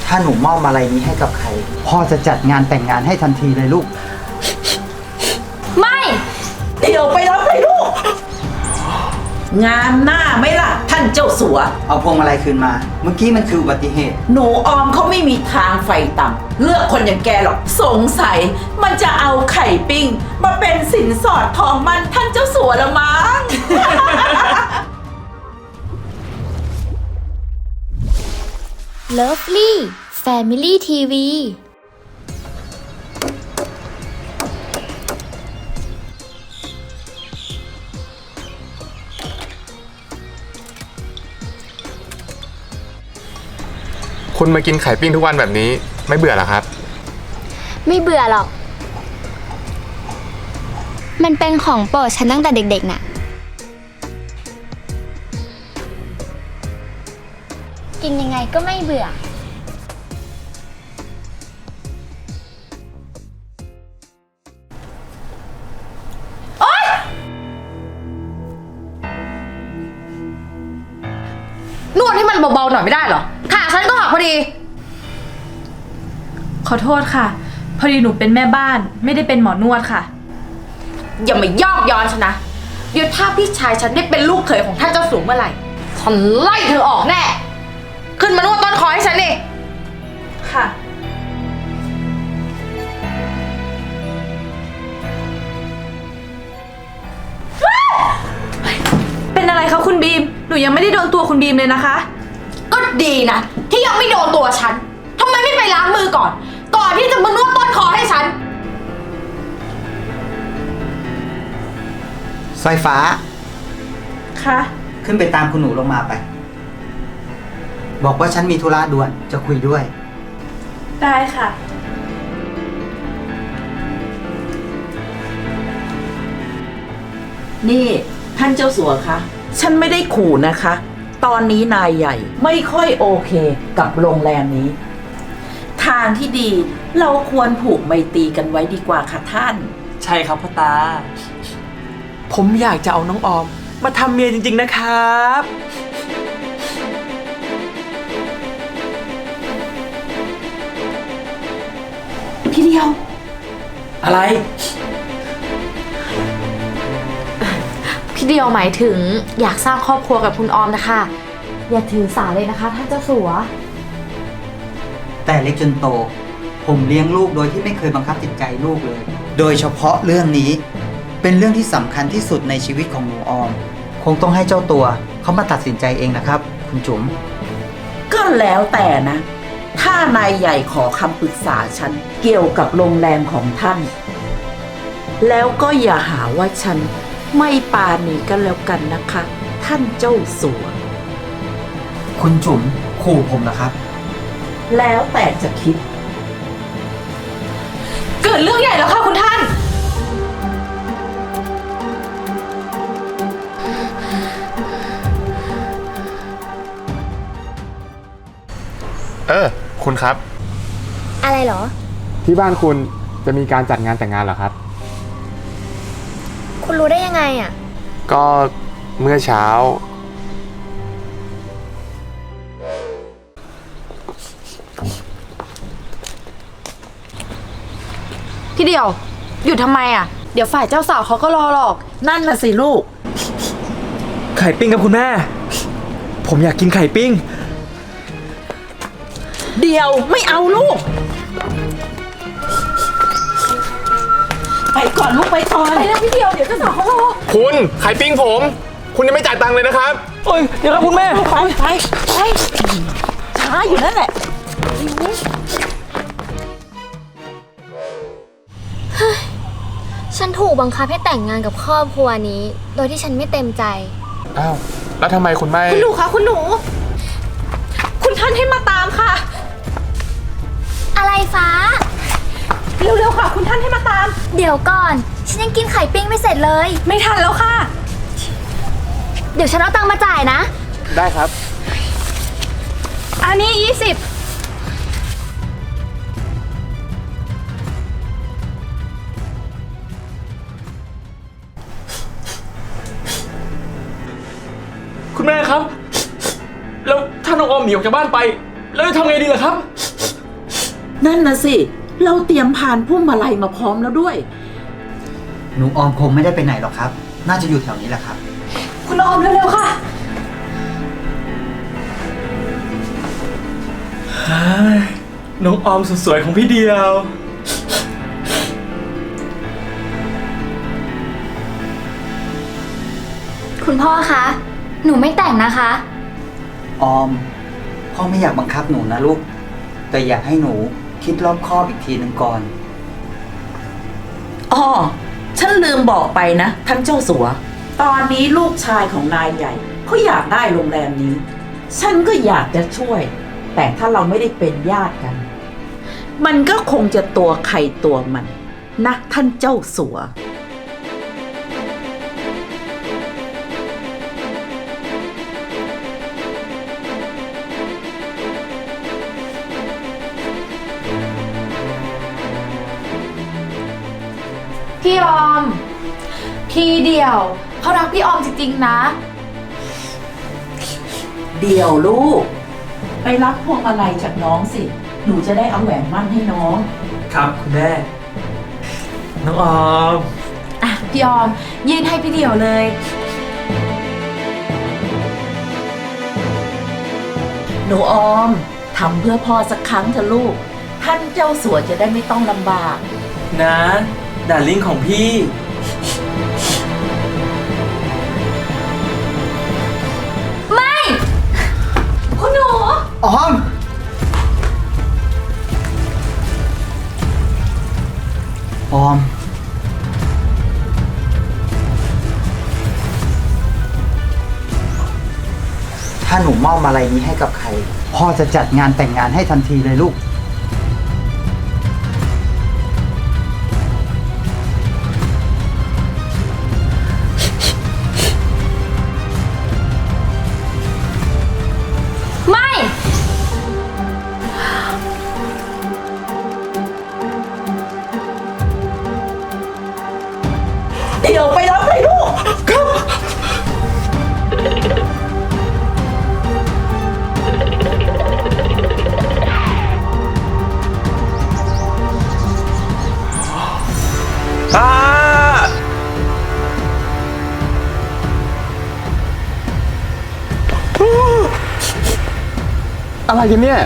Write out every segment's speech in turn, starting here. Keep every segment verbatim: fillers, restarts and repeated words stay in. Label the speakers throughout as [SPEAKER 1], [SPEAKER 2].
[SPEAKER 1] ถ้าหนูมอบอะไรนี้ให้กับใครพ่อจะจัดงานแต่งงานให้ทันทีเลยลูก
[SPEAKER 2] ไม่
[SPEAKER 3] เดี๋ยวไปรับเลยลูกงานหน้าไหมล่ะท่านเจ้าสัว
[SPEAKER 1] เอาพวงมาลัยคืนมาเมื่อกี้มันคืออุบัติเหตุ
[SPEAKER 3] หนูออมเขาไม่มีทางไฟต่ำเลือกคนอย่างแกหรอกสงสัยมันจะเอาไข่ปิ้งมาเป็นสินสอดทองมันท่านเจ้าสัวละมั้ง
[SPEAKER 2] Lovely Family ที วี
[SPEAKER 4] คุณมากินไข่ปิ้งทุกวันแบบนี้ไม่เบื่อหรอครับ
[SPEAKER 2] ไม่เบื่อหรอก มันเป็นของโปรดฉันตั้งแต่เด็กๆน่ะกินยังไงก็ไม่เบื่อโอ๊ยนวดให้มันเบาๆหน่อยไม่ได้เหรอขาฉันก็หักพอดี
[SPEAKER 5] ขอโทษค่ะพอดีหนูเป็นแม่บ้านไม่ได้เป็นหมอนวดค่ะ
[SPEAKER 2] อย่ามายอกย้อนฉันนะเดี๋ยวถ้าพี่ชายฉันได้เป็นลูกเขยของท่านเจ้าสูงเมื่อไหร่ฉันไล่เธอออกแน่ขึ้นมานวดต้นคอให้ฉันดิ
[SPEAKER 5] ค่ะเป็นอะไรคะคุณบีมหนูยังไม่ได้โดนตัวคุณบีมเลยนะคะ
[SPEAKER 2] ก็ดีนะที่ยังไม่โดนตัวฉันทำไมไม่ไปล้างมือก่อนก่อนที่จะมานวดต้นคอให้ฉัน
[SPEAKER 1] สายฟ้า
[SPEAKER 5] ค่ะ
[SPEAKER 1] ขึ้นไปตามคุณหนูลงมาไปบอกว่าฉันมีธุระด่วนจะคุยด้วย
[SPEAKER 5] ได้ค่ะ
[SPEAKER 3] นี่ท่านเจ้าสัวคะฉันไม่ได้ขู่นะคะ ตอนนี้นายใหญ่ไม่ค่อยโอเคกับโรงแรมนี้ทางที่ดีเราควรผูกไมตรีกันไว้ดีกว่าค่ะท่าน
[SPEAKER 6] ใช่ครับพ่อตาผมอยากจะเอาน้องออมมาทำเมียจริงๆนะครับ
[SPEAKER 3] พี่เดียว
[SPEAKER 6] อะไร
[SPEAKER 7] พี่เดียวหมายถึงอยากสร้างครอบครัวกับคุณออมนะคะอย่าถือสาเลยนะคะท่านเจ้าสัว
[SPEAKER 1] แต่เล็กจนโตผมเลี้ยงลูกโดยที่ไม่เคยบังคับจิตใจลูกเลยโดยเฉพาะเรื่องนี้เป็นเรื่องที่สำคัญที่สุดในชีวิตของหนูออมคงต้องให้เจ้าตัวเขามาตัดสินใจเองนะครับคุณจุ๋ม
[SPEAKER 3] ก็แล้วแต่นะถ้านายใหญ่ขอคำปรึกษาฉันเกี่ยวกับโรงแรมของท่านแล้วก็อย่าหาว่าฉันไม่ปาณีกันแล้วกันนะคะท่านเจ้าสัว
[SPEAKER 1] คุณจุ๋มขู่ผมเหรอครับ
[SPEAKER 3] แล้วแต่จะคิด
[SPEAKER 5] เกิดเรื่องใหญ่แล้วค่ะคุณท่าน
[SPEAKER 4] เออคุณครับ
[SPEAKER 2] อะไรเหรอ
[SPEAKER 4] ที่บ้านคุณจะมีการจัดงานแต่งงานเหรอครับ
[SPEAKER 2] คุณรู้ได้ยังไงอ่ะ
[SPEAKER 4] ก็เมื่อเช้า
[SPEAKER 7] พี่เดียวหยุดทำไมอ่ะเดี๋ยวฝ่ายเจ้าสาวเขาก็รอหรอก
[SPEAKER 3] นั่นน่ะสิลูก
[SPEAKER 6] ไข่ปิ้งกับคุณแม่ผมอยากกินไข่ปิ้ง
[SPEAKER 3] เดี๋ยวไม่เอาลูกไปก่อนลูกไปก่อน
[SPEAKER 5] ไปแล้วพี่เดียวเดี๋ยวเจ้าสาวเขารอ
[SPEAKER 4] คุณไข่ปิ้งผมคุณยังไม่จ่ายตังค์เลยนะครับ
[SPEAKER 6] โอ้ยเดี๋ยวครับคุณแม่
[SPEAKER 3] ไปไปไปช้าอยู่นั่นแหละ
[SPEAKER 2] ฉันถูกบังคับให้แต่งงานกับครอบครัวนี้โดยที่ฉันไม่เต็มใจ
[SPEAKER 4] อ้าวแล้วทำไมคุณไม่
[SPEAKER 5] คุณหนูคะคุณหนูคุณท่านให้มาตามค่ะ
[SPEAKER 2] อะไรฟ้า
[SPEAKER 5] เร็วๆค่ะคุณท่านให้มาตาม
[SPEAKER 2] เดี๋ยวก่อนฉันยังกินไข่ปิ้งไม่เสร็จเลย
[SPEAKER 5] ไม่ทันแล้วค่ะ
[SPEAKER 2] เดี๋ยวฉันเอาตังค์มาจ่ายนะ
[SPEAKER 4] ได้ครับ
[SPEAKER 5] อันนี้ยี่สิบ
[SPEAKER 6] คุณแม่ครับแล้วถ้าน้องออมหนีออกจากบ้านไปแล้วจะทำไงดีล่ะครับ
[SPEAKER 3] นั่นนะสิ เราเตรียมพานพุ่มมาลัยมาพร้อมแล้วด้วย
[SPEAKER 1] หนูออมคงไม่ได้ไปไหนหรอกครับ น่าจะอยู่แถวนี้แหละครับ
[SPEAKER 2] คุณออมเร็วๆค่ะ
[SPEAKER 6] น้องออมสุดสวยของพี่เดียว
[SPEAKER 7] คุณพ่อคะ หนูไม่แต่งนะคะ
[SPEAKER 1] ออม พ่อไม่อยากบังคับหนูนะลูก แต่อยากให้หนูคิดรอบคอบอีกทีหนึ่งก่อน
[SPEAKER 3] อ้อ ฉันลืมบอกไปนะท่านเจ้าสัว ตอนนี้ลูกชายของนายใหญ่เขาอยากได้โรงแรมนี้ ฉันก็อยากจะช่วย แต่ถ้าเราไม่ได้เป็นญาติกัน มันก็คงจะตัวใครตัวมันนะท่านเจ้าสัว
[SPEAKER 7] พี่ออม พี่เดียวเขารักพี่ออมจริงๆนะ
[SPEAKER 3] เดี๋ยวลูก ไปรับพวงมาลัยจากน้องสิ หนูจะได้เอาแหวนมั่นให้น้อง
[SPEAKER 6] ครับคุณแม่ น้องออม
[SPEAKER 5] อ่ะ พี่ออม ยื่นให้พี่เดียวเลย
[SPEAKER 3] หนูออมทำเพื่อพ่อสักครั้งเถอะลูก ท่านเจ้าสัวจะได้ไม่ต้องลำบาก
[SPEAKER 6] นะดาริ่งของพี่
[SPEAKER 7] คุณหนู
[SPEAKER 1] ออม ออม ถ้าหนูมอบอะไรนี้ให้กับใคร พ่อจะจัดงานแต่งงานให้ทันทีเลยลูก
[SPEAKER 7] ไม่
[SPEAKER 3] เดี๋ยวไปรับเลยลูก
[SPEAKER 6] ป้า
[SPEAKER 4] อะไรกันเนี่ย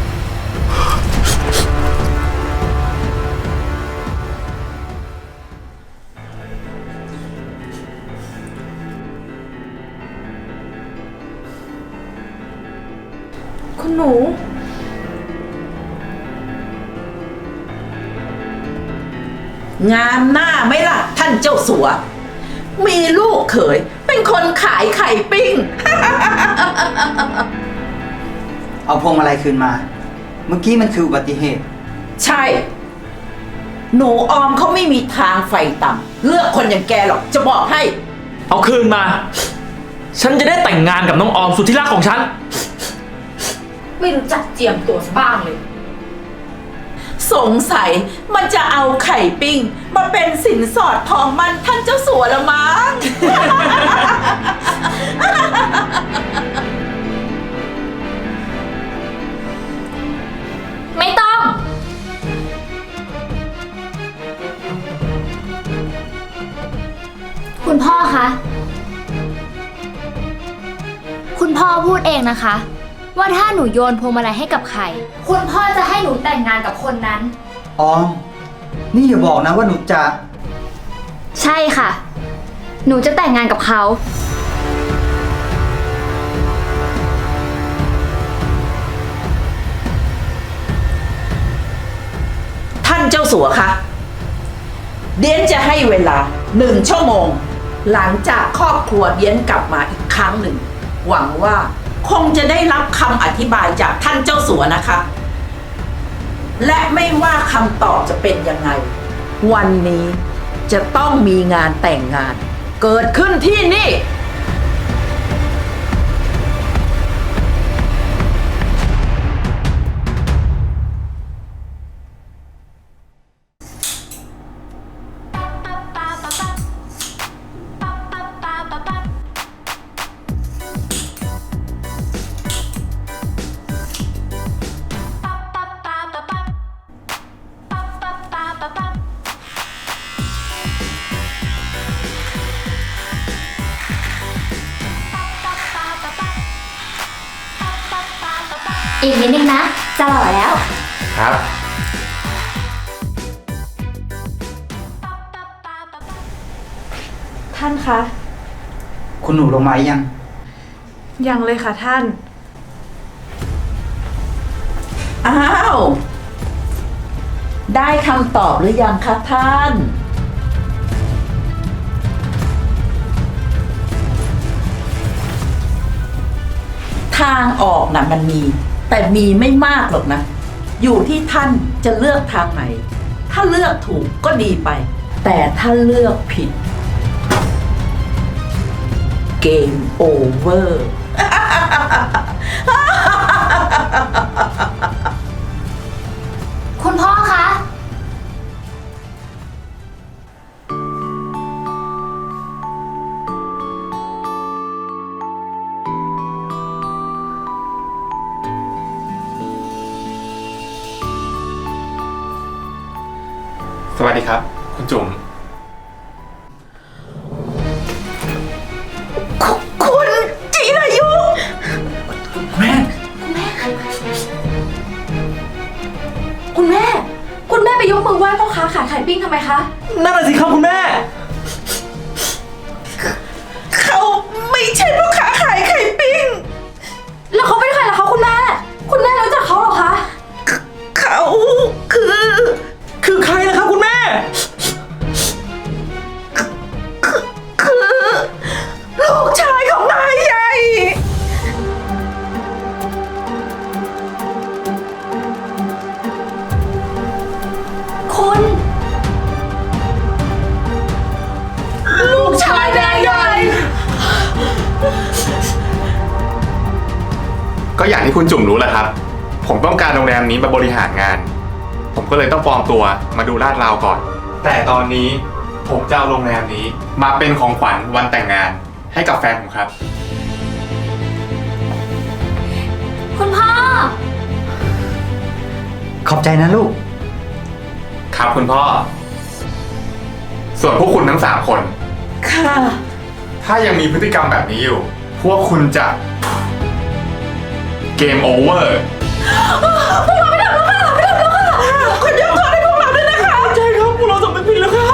[SPEAKER 5] คุณหนู
[SPEAKER 3] งามหน้าไหมล่ะ ท่านเจ้าสัว มีลูกเขยเป็นคนขายไข่ปิ้ง
[SPEAKER 1] เอาพวงมาลัยคืนมา เมื่อกี้มันคืออุบัติเหตุ
[SPEAKER 3] ใช่ หนูออมเขาไม่มีทางไฟต่ำเลือกคนอย่างแกหรอกจะบอกให้
[SPEAKER 6] เอาคืนมา ฉันจะได้แต่งงานกับน้องออมสุดที่รักของฉัน
[SPEAKER 2] ไม่รู้จักเจียมตัวซะบ้างเลย
[SPEAKER 3] สงสัยมันจะเอาไข่ปิ้ง มาเป็นสินสอดทองมันท่านเจ้าสัวละมั้ง
[SPEAKER 7] ไม่ต้อง คุณพ่อคะ คุณพ่อพูดเองนะคะ ว่าถ้าหนูโยนพวงมาลัยให้กับใคร คุณพ่อจะให้หนูแต่งงานกับคนนั้น
[SPEAKER 1] ออม นี่อย่าบอกนะว่าหนูจะ
[SPEAKER 7] ใช่ค่ะ หนูจะแต่งงานกับเขา
[SPEAKER 3] ท่านเจ้าสัวคะเดียนจะให้เวลาหนึ่งชั่วโมง หลังจากครอบครัวเดียนกลับมาอีกครั้งหนึ่ง หวังว่าคงจะได้รับคำอธิบายจากท่านเจ้าสัวนะคะ และไม่ว่าคำตอบจะเป็นยังไง วันนี้จะต้องมีงานแต่งงาน เกิดขึ้นที่นี่
[SPEAKER 8] อีกนิดนึงนะ จะหล่อแล้ว
[SPEAKER 4] ครับ
[SPEAKER 5] ท่านคะ
[SPEAKER 1] คุณหนูลงมาหรือยัง
[SPEAKER 5] ยังเลยค่ะท่าน
[SPEAKER 3] อ้าว ได้คำตอบหรือยังคะท่าน ทางออกนะมันมี แต่มีไม่มากหรอกนะ อยู่ที่ท่านจะเลือกทางไหน ถ้าเลือกถูกก็ดีไป แต่ถ้าเลือกผิด เกมโอเวอร์
[SPEAKER 8] คุณพ่อคะ
[SPEAKER 4] สวัสดีครับ คุณจุ๋ม
[SPEAKER 3] คุณจิรายุ
[SPEAKER 6] แม่
[SPEAKER 7] คุณแม่ คุณแม่ไปยกมือไหว้พ่อค้าขายไข่ปิ้งทำไมคะ
[SPEAKER 6] นั่นน่ะสิครับคุณแม่
[SPEAKER 3] เขาไม่ใช่พ่อค้าขายไข่ปิ้ง
[SPEAKER 7] แล้วเขาเป็นใครล่ะคะคุณแม่ คุณแม่รู้จักเขาเหรอคะ
[SPEAKER 3] เขาคือ
[SPEAKER 6] คือใครล่ะครับคุณแม่
[SPEAKER 3] คือลูกชายของนายใหญ่
[SPEAKER 7] คุณ
[SPEAKER 3] ลูกชายนายใหญ่
[SPEAKER 4] ก็อย่างที่คุณจุ๋มรู้แหละครับ ผมต้องการโรงแรมนี้มาบริหารงาน ผมก็เลยต้องปลอมตัวมาดูลาดราวก่อน แต่ตอนนี้ผมจะเอาโรงแรมนี้มาเป็นของขวัญวันแต่งงานให้กับแฟนผมครับ
[SPEAKER 8] คุณพ่อ
[SPEAKER 1] ขอบใจนะลูก
[SPEAKER 4] ครับคุณพ่อ ส่วนพวกคุณทั้งสามคน
[SPEAKER 3] ค่ะ
[SPEAKER 4] ถ้ายังมีพฤติกรรมแบบนี้อยู่ พวกคุณจะเกมโอเวอร์
[SPEAKER 3] คุณยกโทษให้พวกเราด้วยนะคะ
[SPEAKER 6] ใช่ครับพวกเราสำนึกผิดแล้วครับ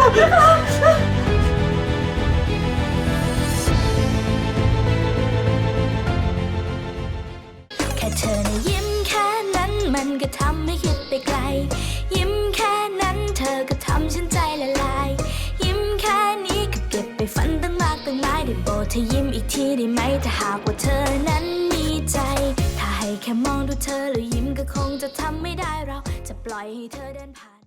[SPEAKER 9] แค่เธอนะยิ้มแค่นั้นมันก็ทำให้คิดไปไกล ยิ้มแค่นั้นเธอก็ทำฉันใจละลาย ยิ้มแค่นี้ก็เก็บไปฝันตั้งมากตั้งหลายได้โปรดเธอยิ้มอีกทีได้ไหมถ้าหากว่าเธอนั้นมีใจ ถ้าให้แค่มองดูเธอแล้วยิ้มก็คงจะทำไม่ได้เราจะปล่อยให้เธอเดินผ่าน